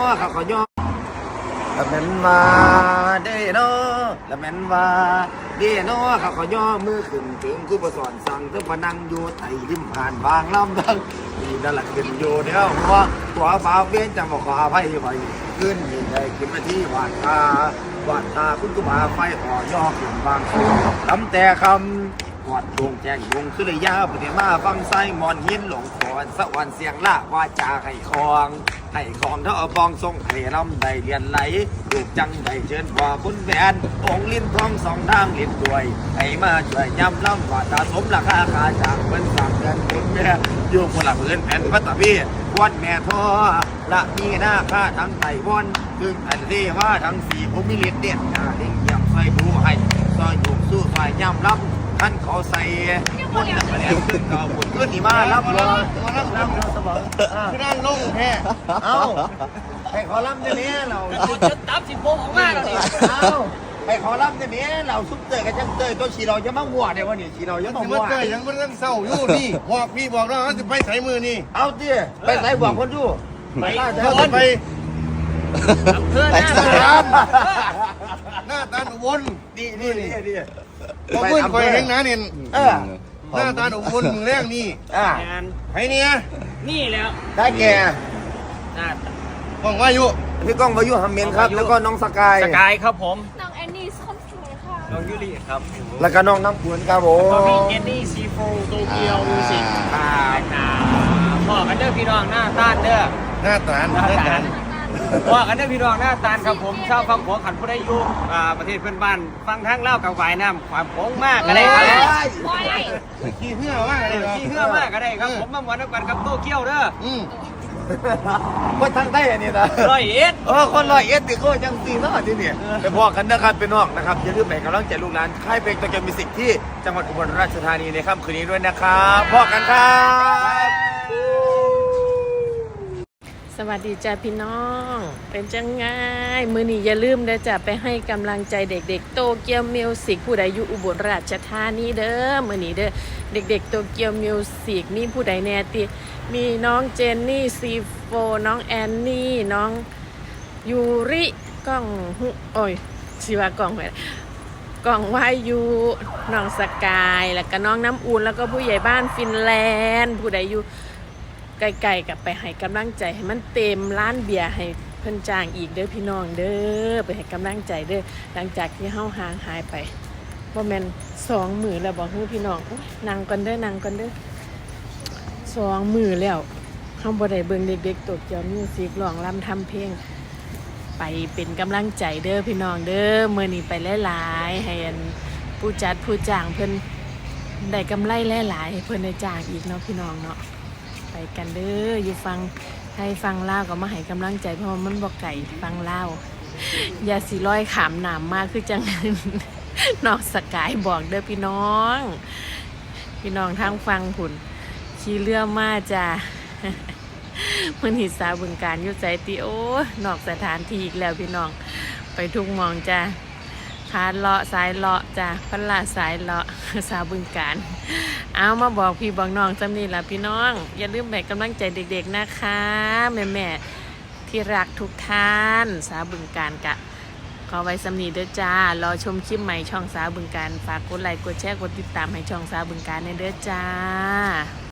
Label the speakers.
Speaker 1: เขาก็ย่อละแม่นว่าเด้เนาะละแม่นว่าเด้เนาะเขาก็ย่อมือขึ้นถึงกูประสอนสั่งถึงพนังอยู่ไต่ริมผ่านบางลำทั้งนี่นั่นแหละขึ้นอยู่เดียวเพราะตัวฟ้าเบี้ยจังบอกขออภัยไปขึ้นนี่ได้ขึ้นมาที่วาดตาคุณกุบาไฟอ่อย่อขึ้นบางส่วนคำแต่คำวัดดวงแจ้งดวงคือเลยยาปฏิมาฟังไส้มอนหินหลงขอนสวรรค์เสียงละว่าจาไข่คองเท่าบองทรงไข่ลำได้เรียนไหลลูกจังได้เชิญพ่อคุณแฟนองลิ้นทองสองทางเลี้ยนด้วยให้มาช่วยย้ำล่ำว่าตาสมราคาขาจากเพิ่นสั่งเงินคุณแม่อยู่คนละเพื่อนแผ่นพระตะพี่วัดแม่ท่อละมีหน้าค่าทั้งไต้วันซึ่งอันที่ว่าทั้งสี่ผมมีเลียนเด็ดหน้าเลี้ยงเยี่ยมใส่ดูให้ซอยอยู่สู้ซอยย้ำล่ำท่านเขาใส่คนนักเรียนขึ้นเก่าคนขึ้นนี่มารับเลยรับสมองคือนั่งลงแท้เอาให้ขอรับจะเนี้ยเราจะตับสิบโมงออกมาเราดิเอาให้ขอรับจะเนี้ยเราซุปเตยกับจังเตยก็ฉีเราจะมาหัวเดี๋ยววันนี้ฉีเราจะต้องหัวเตยยังไม่ต้องเศร้าอยู่นี่บอกพี่บอกน้องจะไปใส่มือนี่เอาเตี้ยไปใส่บอกคนอยู่ไปไปเพื่อนหน้าตาวนดีบอกเพื่อนคอยแห้งนะเนี่ยหน้าตาวนมือแรกนี่ไอ้เนี่ยนี่แล้วได้แก่กล้องวายุพี่ก้องวายุฮัมเมนครับแล้วก็น้องสกาย
Speaker 2: ครับผม
Speaker 3: น้องแอนนี่คนสวยค่ะ
Speaker 2: น้องยูริครับ
Speaker 1: แล้วก็น้องน้ำขุนครับผม
Speaker 2: มีเจนนี่ซีโฟโตเกียวมิวสิกพ่อกันเด้อพี่น้องหน้าตาเด้อ
Speaker 1: หน้าตา
Speaker 2: พ่อกันเด้อพี่น้องหน้าตาครับผมชาวฟังหัวขันผู้ใดอยู่ประเทศเพื่อนบ้านฟังทั้งเล่ากับวายน้ำความโค้งมากก็ได้ครับ
Speaker 1: ขี้เหี้ยวมากเลย
Speaker 2: ขี้เหี้ยวมากก็ได้ครับผมมาหวานกันกับโตเกียวเด้อ
Speaker 1: คนทางใต้อันนี้นะ
Speaker 2: 101
Speaker 1: คน101ติโก้จังสีเนาะที่นี่ไปพอกันนะครับเป็นนอกนะครับอย่าลืมไปกำลังใจลูกหลานค่ายเพลงตะเกียบมิวสิกที่จังหวัดอุบลราชธานีในค่ำคืนนี้ด้วยนะครับพอกันครับ
Speaker 3: สวัสดีจ้าพี่น้องเป็นจังไงมื้อนี้อย่าลืมเด้อจ้ะไปให้กำลังใจเด็กๆโตเกียวมิวสิกผู้ใดอยู่อุบลราชธานีเด้อมื้อนี้เด้อเด็กๆโตเกียวมิวสิกมีผู้ใดแน่ติมีน้องเจนนี่ซีโฟน้องแอนนี่น้องยูริก้องโอ้ยชีวากล้องไว้กล้องวายูน้องสกายแล้วก็น้องน้ำอุ่นแล้วก็ผู้ใหญ่บ้านฟินแลนด์ผู้ใดอยู่ไกลๆกับไปให้กำลังใจให้มันเต็มร้านเบียร์ให้เพิ่นจ้างอีกเด้อพี่น้องเด้อไปให้กำลังใจเด้อหลังจากที่เฮาห่างหายไปบ่แม่น2 มื้อแล้วบอกฮู้พี่น้องนั่งก่อนเด้อ2 มื้อแล้วเฮาบ่ได้เบิ่งเด็กๆโตเกียวมิวสิกร้องรำทำเพลงไปเป็นกำลังใจเด้อพี่น้องเด้อมื้อนี้ไปหลายๆให้ผู้จัดผู้จ้างเพิ่นได้กำไรหลายๆให้เพิ่นได้จ้างอีกเนาะพี่น้องเนาะไปกันเด้ออยู่ฟังให้ฟังลาวก็มาให้กำลังใจเพราะมันบ่ไก่ฟังลาวอย่าสิร้อยขามหนามมากคือจังนอกสกายบอกเด้อพี่น้องทางฟังผุ่นขี่เรือมาจ้ามันหิสาบึงการอยู่ใจติโอนอกสถานที่อีกแล้วพี่น้องไปทุกมองจ้าคาเลาะสายเลาะจ้าพันลาสายเลาะสาวบึงการเอามาบอกพี่บอกน้องจำนี่ล่ะพี่น้องอย่าลืมแบ่งกำลังใจเด็กๆนะคะแม่ๆที่รักทุกท่านสาวบึงการกะขอไว้สำนีเด้อจ้ารอชมคลิปใหม่ช่องสาวบึงการฝากกดไลค์กดแชร์กดติดตามให้ช่องสาวบึงการในเด้อจ้า